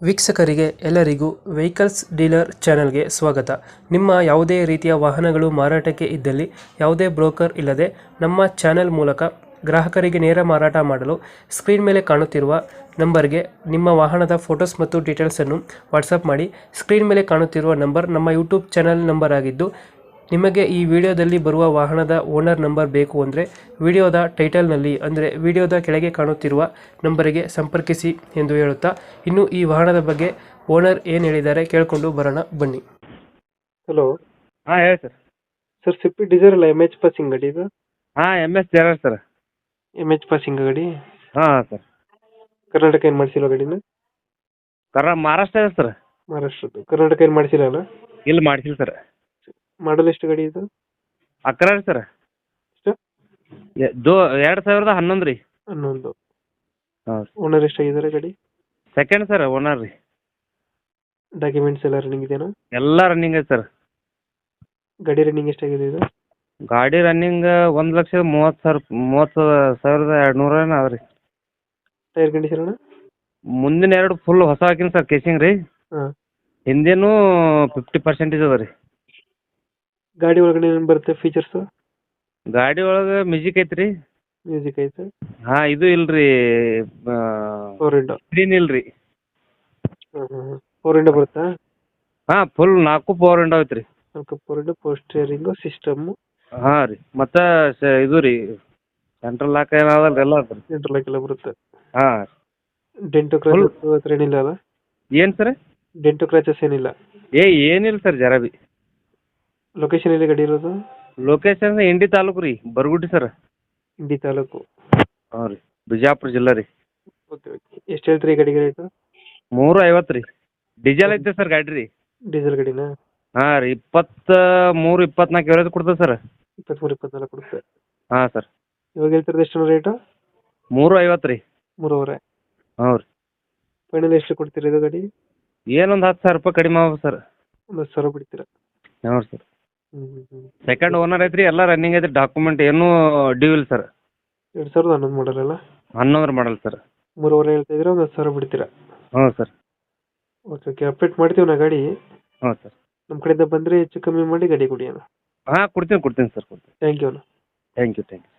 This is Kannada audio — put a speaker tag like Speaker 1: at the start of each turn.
Speaker 1: ವೀಕ್ಷಕರಿಗೆ ಎಲ್ಲರಿಗೂ ವೆಹಿಕಲ್ಸ್ ಡೀಲರ್ ಚಾನೆಲ್ಗೆ ಸ್ವಾಗತ. ನಿಮ್ಮ ಯಾವುದೇ ರೀತಿಯ ವಾಹನಗಳು ಮಾರಾಟಕ್ಕೆ ಇದ್ದಲ್ಲಿ ಯಾವುದೇ ಬ್ರೋಕರ್ ಇಲ್ಲದೆ ನಮ್ಮ ಚಾನೆಲ್ ಮೂಲಕ ಗ್ರಾಹಕರಿಗೆ ನೇರ ಮಾರಾಟ ಮಾಡಲು ಸ್ಕ್ರೀನ್ ಮೇಲೆ ಕಾಣುತ್ತಿರುವ ನಂಬರ್ಗೆ ನಿಮ್ಮ ವಾಹನದ ಫೋಟೋಸ್ ಮತ್ತು ಡೀಟೇಲ್ಸನ್ನು ವಾಟ್ಸಪ್ ಮಾಡಿ. ಸ್ಕ್ರೀನ್ ಮೇಲೆ ಕಾಣುತ್ತಿರುವ ನಂಬರ್ ನಮ್ಮ ಯೂಟ್ಯೂಬ್ ಚಾನೆಲ್ ನಂಬರ್ ಆಗಿದ್ದು, ನಿಮಗೆ ಈ ವಿಡಿಯೋದಲ್ಲಿ ಬರುವ ವಾಹನದ ಓನರ್ ನಂಬರ್ ಬೇಕು ಅಂದರೆ ವಿಡಿಯೋದ ಟೈಟಲ್ನಲ್ಲಿ ಅಂದರೆ ವಿಡಿಯೋದ ಕೆಳಗೆ ಕಾಣುತ್ತಿರುವ ನಂಬರಿಗೆ ಸಂಪರ್ಕಿಸಿ ಎಂದು ಹೇಳುತ್ತಾ, ಇನ್ನು ಈ ವಾಹನದ ಬಗ್ಗೆ ಓನರ್ ಏನು ಹೇಳಿದ್ದಾರೆ ಕೇಳಿಕೊಂಡು ಬರೋಣ ಬನ್ನಿ. ಹಲೋ,
Speaker 2: ಹಾಂ ಹೇಳಿ ಸರ್.
Speaker 1: ಸರ್ ಸ್ವಿಫ್ಟ್ ಡಿಸೈರ್ ಅಲ್ಲ, ಎಮ್ ಎಚ್ ಪಾಸಿಂಗ್ ಗಾಡಿ ಇದು?
Speaker 2: ಹಾಂ MS ಜೆರಾರ್ ಸರ್.
Speaker 1: ಎಮ್ ಎಚ್ ಪಾಸಿಂಗ್ ಗಾಡಿ
Speaker 2: ಹಾಂ ಸರ್.
Speaker 1: ಕರ್ನಾಟಕ ಏನು ಮಾಡಿಸಿಲ್ಲ ಗಾಡಿನ?
Speaker 2: ಮಹಾರಾಷ್ಟ್ರ ಇದೆ ಸರ್.
Speaker 1: ಮಹಾರಾಷ್ಟ್ರದ್ದು. ಕರ್ನಾಟಕ ಏನು ಮಾಡಿಸಿಲ್ಲ ಅಲ್ಲ?
Speaker 2: ಇಲ್ಲಿ ಮಾಡಿಸಿಲ್ಲ ಸರ್.
Speaker 1: ಮಾಡಲ್ ಎಷ್ಟು ಗಾಡಿ ಇದು?
Speaker 2: ಅಕ್ರ ಸರ್.
Speaker 1: ಎಷ್ಟು?
Speaker 2: 2011 ರೀ.
Speaker 1: 11.
Speaker 2: ಹಾಂ.
Speaker 1: ಓನರ್ ಎಷ್ಟಾಗಿದ್ದಾರೆ ಗಾಡಿ?
Speaker 2: ಸೆಕೆಂಡ್ ಸರ್, ಓನರ್ ರೀ.
Speaker 1: ಡಾಕ್ಯುಮೆಂಟ್ಸ್ ಎಲ್ಲ ರನ್ನಿಂಗ್ ಇದೆಯಾ?
Speaker 2: ಎಲ್ಲ ರನ್ನಿಂಗ್ ಐತೆ ಸರ್.
Speaker 1: ಗಾಡಿ ರನ್ನಿಂಗ್ ಎಷ್ಟಾಗಿದೆ ಇದು?
Speaker 2: ಗಾಡಿ ರನ್ನಿಂಗ್ 1,30,200 ಅದ ರೀ.
Speaker 1: ಟೈರ್ ಕಂಡೀಷನ್ ಅಣ್ಣ?
Speaker 2: ಮುಂದಿನ 2 ಫುಲ್ ಹೊಸ ಹಾಕಿನಿ ಸರ್, ಕೇಸಿಂಗ್ ರೀ.
Speaker 1: ಹಾಂ.
Speaker 2: ಹಿಂದೇನು 50% ಅದ ರೀ.
Speaker 1: ಗಾಡಿ ಒಳಗಡೆ ಏನು ಬರುತ್ತೆ ಫೀಚರ್ಸು?
Speaker 2: ಗಾಡಿ ಒಳಗೆ ಮ್ಯೂಸಿಕ್ ಐತೆ ರೀ.
Speaker 1: ಮ್ಯೂಸಿಕ್ ಐತೆ.
Speaker 2: ಹಾಂ, ಇದು ಇಲ್ಲ ರೀ,
Speaker 1: ಫೋರ್ ವಿಂಡೋ
Speaker 2: ಸ್ಕ್ರೀನ್ ಇಲ್ಲ ರೀ.
Speaker 1: ಫೋರ್ ವಿಂಡೋ ಬರುತ್ತಾ?
Speaker 2: ಹಾಂ, ಫುಲ್ 4 ಪವರ್ ವಿಂಡೋ ಐತೆ ರೀ.
Speaker 1: Four window, power steering, system.
Speaker 2: ಹಾಂ ರೀ, ಮತ್ತು ಇದು ರೀ ಸೆಂಟ್ರಲ್ ಲಾಕ್ ಏನಾದಲ್ಲ ಎಲ್ಲ ಅದ ರೀ.
Speaker 1: ಸೆಂಟ್ರಲ್ ಲಾಕ್ ಎಲ್ಲ ಬರುತ್ತೆ.
Speaker 2: ಹಾಂ.
Speaker 1: ಡೆಂಟು ಕ್ರಾಚಸ್ ಹತ್ರ ಏನಿಲ್ಲ ಅಲ್ಲ?
Speaker 2: ಏನು ಸರ್?
Speaker 1: ಡೆಂಟು ಕ್ರಾಚಸ್ ಏನಿಲ್ಲ?
Speaker 2: ಏನಿಲ್ಲ ಸರ್, ಜರ ಬಿ.
Speaker 1: ಲೊಕೇಶನ್ ಎಲ್ಲಿ ಗಾಡಿ ಇರೋದು?
Speaker 2: ಲೊಕೇಶನ್ ಇಂಡಿ ತಾಲೂಕು ರೀ, ಬರಗುಡಿ ಸರ್.
Speaker 1: ಇಂಡಿ ತಾಲೂಕು.
Speaker 2: ಹಾಂ ರೀ, ಬಿಜಾಪುರ ಜಿಲ್ಲಾ ರೀ.
Speaker 1: Okay okay. ಎಷ್ಟು ಹೇಳ್ತೀರಿ ಈ ಗಾಡಿಗೆ ರೇಟು?
Speaker 2: 350 ರೀ. ಡೀಸೆಲ್ ಐತೆ ಸರ್ ಗಾಡಿ ರೀ.
Speaker 1: ಡೀಸೆಲ್ ಗಾಡಿನಾ?
Speaker 2: ಹಾಂ ರೀ, 23-24 ಎವರೇಜ್ ಕೊಡ್ತದೆ ಸರ್.
Speaker 1: 23-24 ಕೊಡುತ್ತೆ.
Speaker 2: ಹಾಂ ಸರ್.
Speaker 1: ಇವಾಗ ಹೇಳ್ತಿರೋದು ಎಷ್ಟು ರೇಟು?
Speaker 2: 350 ರೀ.
Speaker 1: 3.5.
Speaker 2: ಹ್ಞೂ ರೀ.
Speaker 1: ಫೈನಲ್ ಎಷ್ಟು ಕೊಡ್ತೀರಿ ಇದು ಗಾಡಿ?
Speaker 2: ಏನೊಂದು 10,000 ರೂಪಾಯಿ ಕಡಿಮೆ ಆಗ್ಬೋದು ಸರ್.
Speaker 1: ಒಂದು 10,000 ಬಿಡ್ತೀರಾ?
Speaker 2: ಹ್ಞೂ ಸರ್.
Speaker 1: ಹ್ಞೂ.
Speaker 2: ಸೆಕೆಂಡ್ ಓನರ್ ಐತೆ ರೀ, ಎಲ್ಲ ರನ್ನಿಂಗ್ ಐತೆ. ಡಾಕ್ಯುಮೆಂಟ್ ಏನೂ ಡ್ಯೂ ಇಲ್ಲ ಸರ್.
Speaker 1: 2011 ಮಾಡಲ್ ಅಲ್ಲ?
Speaker 2: 11 ಮಾಡಲ್ ಸರ್.
Speaker 1: 3.5 ಹೇಳ್ತಾ ಇದ್ರೆ ಒಂದು 10,000 ಬಿಡ್ತೀರಾ?
Speaker 2: ಹ್ಞೂ ಸರ್.
Speaker 1: Okay okay. ಅಪ್ಡೇಟ್ ಮಾಡ್ತೀವಿ ನಾ ಗಾಡಿ.
Speaker 2: ಹ್ಞೂ ಸರ್.
Speaker 1: ನಮ್ಮ ಕಡೆಯಿಂದ ಬಂದರೆ ಹೆಚ್ಚು ಕಮ್ಮಿ ಮಾಡಿ ಗಾಡಿ ಕೊಡಿ ಅಣ್ಣ.
Speaker 2: ಹಾಂ, ಕೊಡ್ತೀನಿ ಸರ್, ಕೊಡ್ತೀನಿ.
Speaker 1: ಥ್ಯಾಂಕ್ ಯು ಅಣ್ಣ.
Speaker 2: Thank you.